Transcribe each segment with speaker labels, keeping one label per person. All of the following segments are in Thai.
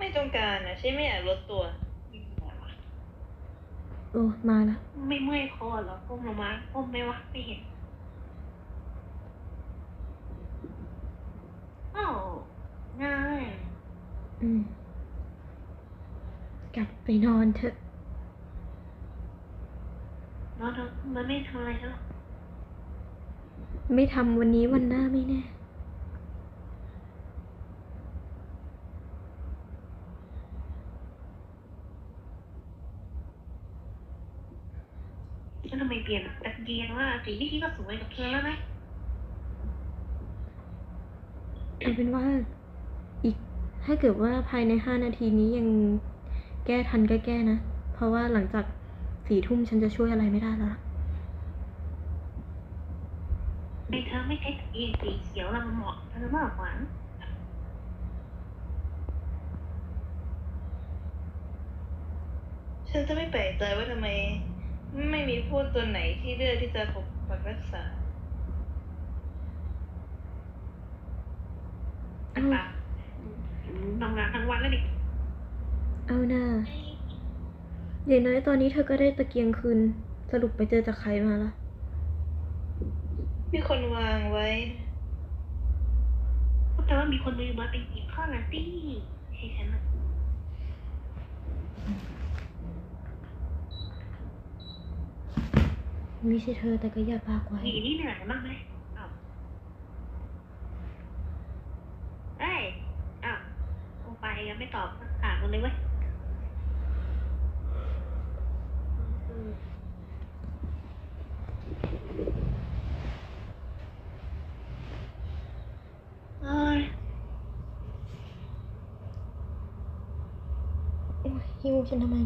Speaker 1: ไม่ต้องการนะฉันไม่อยากลดตัว
Speaker 2: โอ้มาละ
Speaker 3: ไม่เมื่อยคอเหรอก้มลงมาก้มไหมวะไม่เห็นอ้าวง่าย
Speaker 2: กลับไปนอนเถอะ
Speaker 3: นอนเถอะมันไม่ทำอะไรฉันหรอก
Speaker 2: ไม่ทำวันนี้วันหน้าไม่แน่
Speaker 3: แล้วทำไมเปลี่ยนตะเกียงว่าสีที่คิดก็สวยกับเธอแล้วไหม
Speaker 2: เอาเป็นว่าอีกถ้าเกิดว่าภายใน5 นาทีนี้ยังแก้ทันก็แก้นะเพราะว่าหลังจาก4 ทุ่มฉันจะช่วยอะไรไม่ได้แล้ว
Speaker 3: ไม่เธอไม่ใช้ตะเกียงสีเขียวแล้วมันเหมาะเธอมากกว่า
Speaker 1: ฉันจะไม่แปลกใจว่าทำไมไม่มีพวกตัวไหนที่เลือกที่จะปกปักรักษา
Speaker 3: ทำงานทั้งวันแล้วดิ
Speaker 2: เอาหน้าอย่างน้อยตอนนี้เธอก็ได้ตะเกียงคืนสรุปไปเจอจากใครมาล่ะ
Speaker 1: มีคนวางไว้
Speaker 3: แต่ว่ามีคนมือมาไปหยิบข้าวนาตี้ให้ฉันนะ
Speaker 2: ไม่ใช่เธอแต่ก็อย่าปากไว้
Speaker 3: นี่เหนื่อยมากไหมลงไปยังไม่ตอบถามเลยเว้ย
Speaker 2: หิวฉันทำไม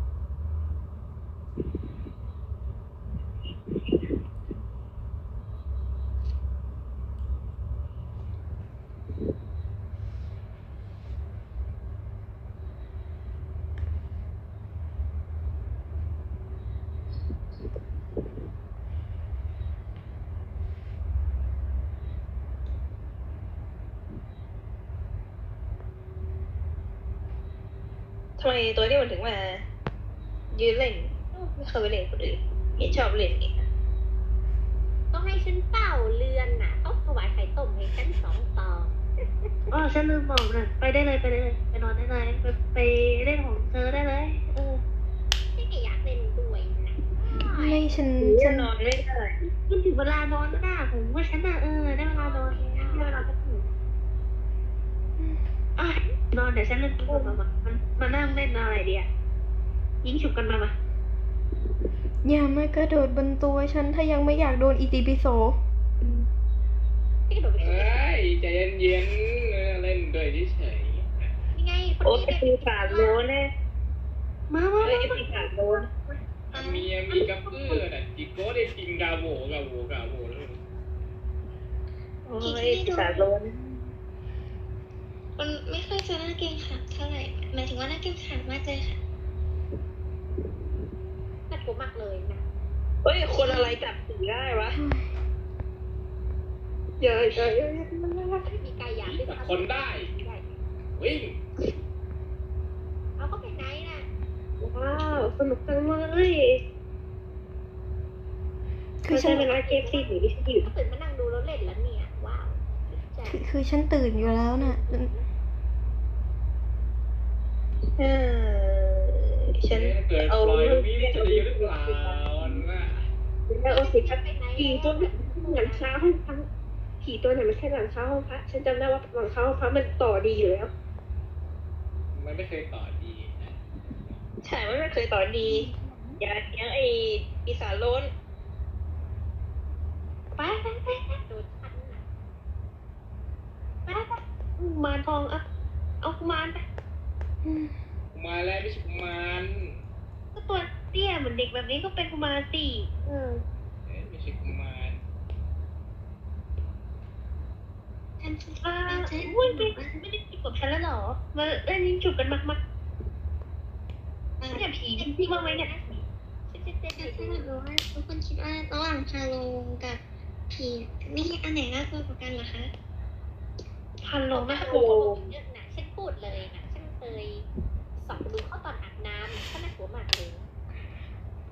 Speaker 1: ทำไมตัวนี้มันถึงมายืนเล่นไม่เคยไปเล่นคนอื่นเห็นชอบเล่นนี่
Speaker 4: ต้องให้ฉันเป่าเรือนน่ะต้องถวายไข่ต้มให้ฉัน2 ตอง
Speaker 3: ฉันลืมบอกนะไปได้เลยไปนอนได้เลยไปเล่นของเธอได้เลย
Speaker 4: ฉันก็อยากเล่นด้วยนะ
Speaker 2: ไม่ฉัน
Speaker 1: นอนไม่ได้
Speaker 3: มันถึงเวลานอนแล้วนะผมว่าฉันน่ะได้เวลานอนได้เวลาจะถึงนอนเดี๋ยวฉันเล่นตัวมานั่งเล่นอะไรดียิงฉุบกันมา
Speaker 2: อย่ามากระโดดบนตัวฉันถ้ายังไม่อยากโดนอิติปิโส
Speaker 5: ใจเย็นๆเล่นด้วยเฉย
Speaker 4: ยังไง
Speaker 1: โอ้ปีศาจโลนเนี่ย
Speaker 3: มา
Speaker 1: ปีศาจโลน
Speaker 5: มีกับเพื่อนจิโก้ได้จริงกาโวเลย
Speaker 1: โอ้ยปีศาจโลน
Speaker 4: มันไม่ค่อยจะน่าเกรงขามเท่าไหร่หมายถึงว่าน่าเกรงขามมากเลยค่ะน่ากลัวมากเลยนะ
Speaker 1: เฮ้ยคนอะไรจับผีได้วะเยอะ
Speaker 4: มีกายหยาบด้วย
Speaker 5: คนได้วิ่ง
Speaker 4: เอาก็ไปไหนน่ะ
Speaker 3: ว้าวสนุกจังเลยคือฉันเป็นเกมซีหรือที่ฉันอยู่
Speaker 4: ตื่นมานั่งดูแล้วเล่นแล้วเนี่ยว้าว
Speaker 2: คือฉันตื่นอยู่แล้วน่ะ
Speaker 1: ฉัน
Speaker 5: เอาวิ่งจะดีหรือเปล่า
Speaker 3: เอาสิครับผีตัวหลังคาห้องพักผีตัวไหนไม่ใช่หลังคาห้องพักฉันจำได้ว่าหลังคาห้องพักมันต่อดีอยู่แล้ว
Speaker 5: มันไม่เคยต่อดี
Speaker 1: ใช่ไม่เคยต่อดีอย่าเลี้ยงไอ้ปีศาจโลน
Speaker 3: ไปโดนทันไปมาทองเอากุมารไป
Speaker 5: มาแล้วไม่ใช่กุมาร
Speaker 3: ก็ตัวเตี้ยเหมือนเด็กแบบนี้ก็เป็นกุมารสิ
Speaker 5: ไม่ใช่กุมาร
Speaker 3: ฉันอุ้ยไม่ได้จีบกับฉันแล้วหรอมาเล่นยิงฉุบกันมากเนี่ยผีพี่ว่าไหมเนี่ย
Speaker 4: ฉันอยากรู้ว่าทุกคนคิดว่าระหว่างพาโลกับผีนี่อันไหนน่ากลัวกว่ากันเหรอคะ
Speaker 3: พาโลน่ากลัว
Speaker 4: ฉันพูดเลยนะฉันเคย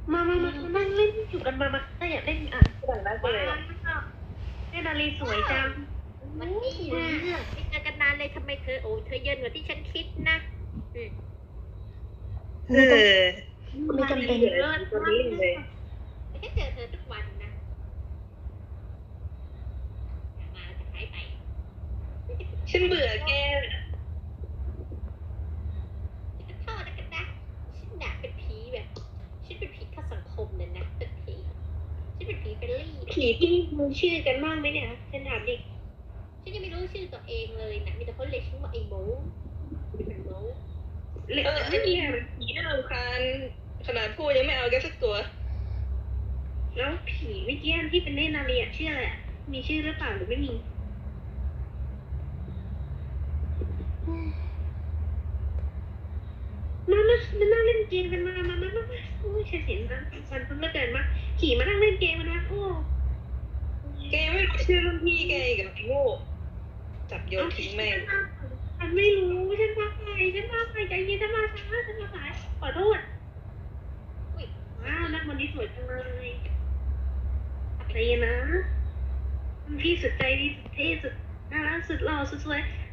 Speaker 3: มานั่งเล่นอยู่กันมาถ้าอยากเล่น
Speaker 1: หลังนั้น
Speaker 3: ว้า
Speaker 1: เลยว
Speaker 3: เล่นนาลีสวยจัง
Speaker 6: วันนี้นะไม่เจอกันนานเลยทำไมเธอเธอเยินกว่าที่ฉันคิดนะอืม
Speaker 1: เออ
Speaker 2: ไม่จำเป็น
Speaker 3: เลิศ
Speaker 1: ตอนนี้เลย
Speaker 6: ไม่ใช่เจอเธอทุกวันนะอย่ามาจะหายไป
Speaker 1: ฉันเบื่อแก
Speaker 6: จะโทษกันนะฉันน่ะเป็นผีแบบฉันเป็นผีเข้าสังคมเลยนะเป็นผีฉันเป็นผีเฟรนลี่
Speaker 3: ผีที่มึงชื่อกันบ้างไหมเนี่ยฉันถามดิ
Speaker 6: ฉันยังไม่รู้ชื่อตัวเองเลยนะมีแต่คนเรียกฉันว่าไอ้โม้เป็นโม้
Speaker 1: ไม่มีผีน่ารำคาญขนาดพูดยังไม่เอาแกสักตัว
Speaker 3: แล้วผีเมื่อกี้ที่เป็นเล่นนาลีชื่ออะไรมีชื่อหรือเปล่าหรือไม่มีมานั่งเล่นเกมกันมาโอ้ยฉันเห็นนะมันเพิ่งเกิดมาขี่มานั่งเล่นเกมกันนะโอ้
Speaker 1: แกไม่รู้ชื่อรุ่นพี่แกอีกับไอ้โง่จับโยนทิ้งแม่ง
Speaker 3: ฉันไม่รู้ฉันมาใครใจเย็นฉันมาช้าฉันมาสายขอโทษ
Speaker 6: อุ้ย
Speaker 3: ว้าวนักวันนี้สวยจังเลยใจเย็นนะพี่สุดใจดีสุดเท่สุดน่ารักสุดหล่อสุดสวย